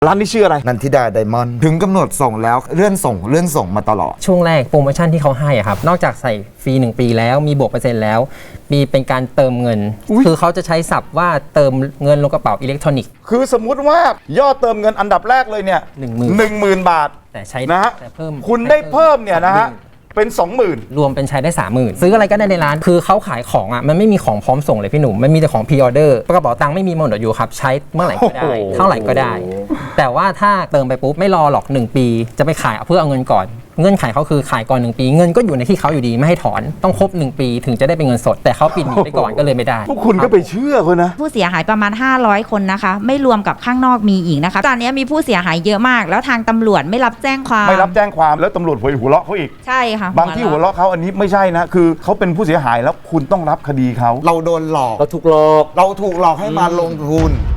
ร้านนี้ชื่ออะไรนันทิดาไดมอนด์ถึงกำหนดส่งแล้วเลื่อนส่งมาตลอดช่วงแรกโปรโมชั่นที่เขาให้อะครับนอกจากใส่ฟรี1 ปีแล้วมีบวกเปอร์เซ็นต์แล้วมีเป็นการเติมเงินคือเขาจะใช้ศัพท์ว่าเติมเงินลงกระเป๋าอิเล็กทรอนิกส์คือสมมุติว่ายอดเติมเงินอันดับแรกเลยเนี่ย 10,000 บาทแต่ใช้นะฮะแต่เพิ่มคุณได้เพิ่มเนี่ยนะฮะเป็น 20,000 รวมเป็นใช้ได้ 30,000 ซื้ออะไรก็ได้ในร้านคือเขาขายของอ่ะมันไม่มีของพร้อมส่งเลยพี่หนุ่มมันมีแต่ของพรีออเดอร์กระเป๋าตังค์ไม่มีหมดอยู่ครับใช้เมื่อไหร่ก็ได้เท่าไหร่ก็ได้ แต่ว่าถ้าเติมไปปุ๊บไม่รอหรอก1 ปีจะไปขายเพื่อเอาเงินก่อนเงื่อนไขเขาคือขายก่อน1 ปีเงินก็อยู่ในที่เขาอยู่ดีไม่ให้ถอนต้องครบ1 ปีถึงจะได้เป็นเงินสดแต่เขาปิดหนีไปก่อนก็เลยไม่ได้พวกคุณก็ไปเชื่อเขานะผู้เสียหายประมาณ500 คนนะคะไม่รวมกับข้างนอกมีอีกนะคะตอนนี้มีผู้เสียหายเยอะมากแล้วทางตำรวจไม่รับแจ้งความแล้วตำรวจหัวเราะเขาอีกใช่ค่ะบางที่หัวเราะเขาอันนี้ไม่ใช่นะคือเขาเป็นผู้เสียหายแล้วคุณต้องรับคดีเขาเราโดนหลอกเราถูกหลอกให้มาลงทุน